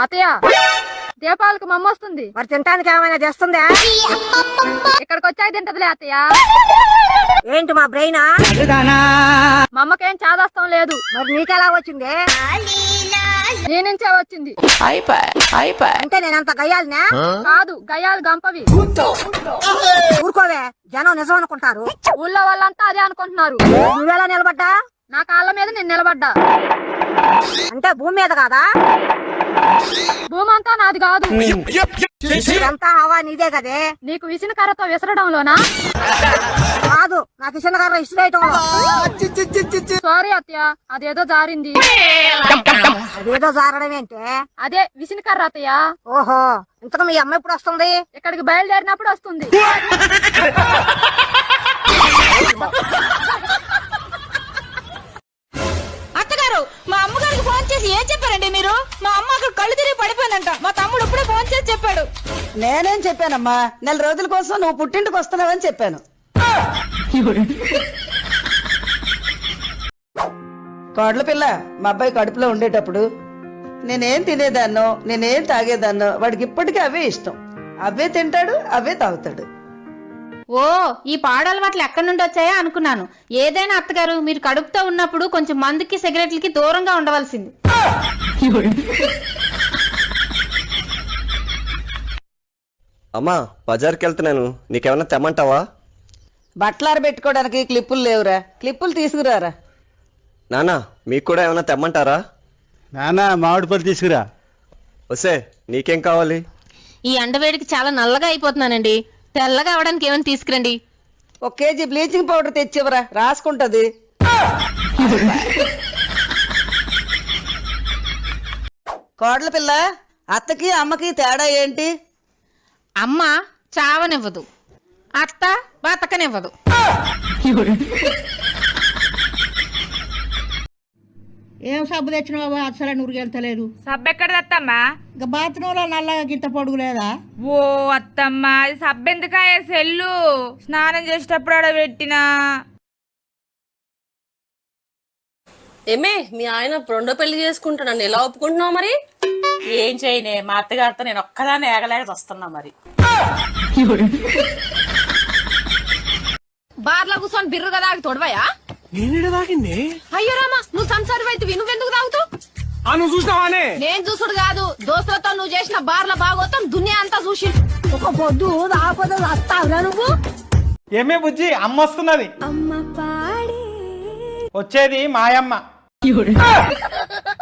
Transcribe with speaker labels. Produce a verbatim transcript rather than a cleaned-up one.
Speaker 1: అత్తయ్య దీపావళికి మమ్మ వస్తుంది,
Speaker 2: మరి తినడానికి ఏమైనా చేస్తుందా?
Speaker 1: ఇక్కడికి వచ్చాక తింటదిలే అత్తయ్య.
Speaker 2: ఏంటి మా బ్రెయినా?
Speaker 1: మా అమ్మకేం చాదస్తం లేదు.
Speaker 2: మరి నీకెలా వచ్చింది?
Speaker 1: నీ నుంచే వచ్చింది.
Speaker 2: అంటే నేనంత గయ్యాలినా?
Speaker 1: కాదు, గయ్యాలు గంపవి.
Speaker 2: ఊరుకోవే, జనం నిజం అనుకుంటారు.
Speaker 1: ఊళ్ళో వాళ్ళంతా అదే అనుకుంటున్నారు.
Speaker 2: నువ్వెలా నిలబడ్డా?
Speaker 1: నా కాళ్ళ మీద నేను నిలబడ్డా.
Speaker 2: అంటే భూమి మీద కాదా?
Speaker 1: భూమి అంతా నాది కాదు.
Speaker 2: ఇదంతా హవా నీదే కదే.
Speaker 1: నీకు విసిన కర్రతో విసరడంలోనా?
Speaker 2: కాదు, నాకు ఇసిన కర్ర ఇసురేయటంలో.
Speaker 1: సారీ అత్తయ్య, అదేదో జారింది.
Speaker 2: అదేదో జారడం ఏంటే?
Speaker 1: అదే విసిన కర్ర అత్తయ్య.
Speaker 2: ఓహో, ఇంతకు మీ అమ్మ ఎప్పుడు వస్తుంది?
Speaker 1: ఇక్కడికి బయలుదేరినప్పుడు వస్తుంది.
Speaker 3: అత్తగారు, మా అమ్మగారికి ఫోన్ చేసి ఏం చెప్పారండి మీరు? మా అమ్మ అక్కడ కళ్ళు తిరిగి పడిపోయిందంట. మా తమ్ముడు ఇప్పుడే ఫోన్ చేసి చెప్పాడు.
Speaker 4: నేనేం చెప్పానమ్మా, నెల రోజుల కోసం నువ్వు పుట్టింటికి వస్తున్నావని చెప్పాను. కోడల పిల్ల, మా అబ్బాయి కడుపులో ఉండేటప్పుడు నేనేం తినేదాన్నో నేనేం తాగేదాన్నో వాడికి ఇప్పటికీ అవే ఇష్టం. అవే తింటాడు, అవే తాగుతాడు.
Speaker 3: ఓ, ఈ పాడలవాట్లు ఎక్కడి నుండి వచ్చాయా అనుకున్నాను. ఏదైనా అత్తగారు, మీరు కడుపుతో ఉన్నప్పుడు కొంచెం మందుకి సిగరెట్లకి దూరంగా ఉండవలసింది.
Speaker 5: అమ్మా, బజార్కి వెళ్తున్నాను, నీకేమన్నా తెమ్మంటావా?
Speaker 4: బట్టలార పెట్టుకోవడానికి క్లిప్పులు లేవురా, క్లిప్పులు తీసుకురారా.
Speaker 5: నానా, మీకు కూడా ఏమన్నా తెమ్మంటారా?
Speaker 6: నానా, మామిడి పళ్ళు తీసుకురా.
Speaker 5: వసే, నీకేం కావాలి?
Speaker 3: ఈ ఎండవేడికి చాలా నల్లగా అయిపోతున్నానండి. తెల్లగా అవడానికి ఏమైనా తీసుకురండి.
Speaker 4: ఒక కేజీ బ్లీచింగ్ పౌడర్ తెచ్చివరా, రాసుకుంటది. కోడల పిల్ల, అత్తకి అమ్మకి తేడా ఏంటి?
Speaker 3: అమ్మ చావనివ్వదు, అత్త బతకనివ్వదు.
Speaker 7: ఏం సబ్బు తెచ్చినావు? అసలు నురిగెళ్తలేదు.
Speaker 8: సబ్బు ఎక్కడ తెత్తమ్మా?
Speaker 7: ఇంకా బాత్రూమ్ లో నల్లగా గింత పొడుగు లేదా?
Speaker 8: ఓ అత్తమ్మ, అది సబ్బు ఎందుకాయ? సెల్లు స్నానం చేసేటప్పుడు ఆడ పెట్టినా.
Speaker 9: ఏమే, మీ ఆయన రెండో పెళ్లి చేసుకుంటున్నాను, ఎలా ఒప్పుకుంటున్నావు? మరి
Speaker 10: ఏం చేయనే, మా అత్తగారితో నేను ఒక్కదాన్ని ఏగలేక వస్తున్నా. మరి
Speaker 1: బార్లో కూర్చొని బిర్రుగా తాగి తొడవయా?
Speaker 6: నేను తాగింది.
Speaker 1: అయ్యో రామా, నువ్వు సంసారి అయితే నువ్వెందుకు తాగుతావు?
Speaker 6: నువ్వు చూసినావానే?
Speaker 1: నేను చూసుడు కాదు, దోస్తులతో నువ్వు చేసిన బార్ల బాగోతాం దునియా అంతా చూసి.
Speaker 2: ఒక పొద్దు రాకపోతే వస్తావురా నువ్వు?
Speaker 6: ఏమే బుజ్జి, అమ్మ వస్తున్నది. వచ్చేది మాయమ్మ.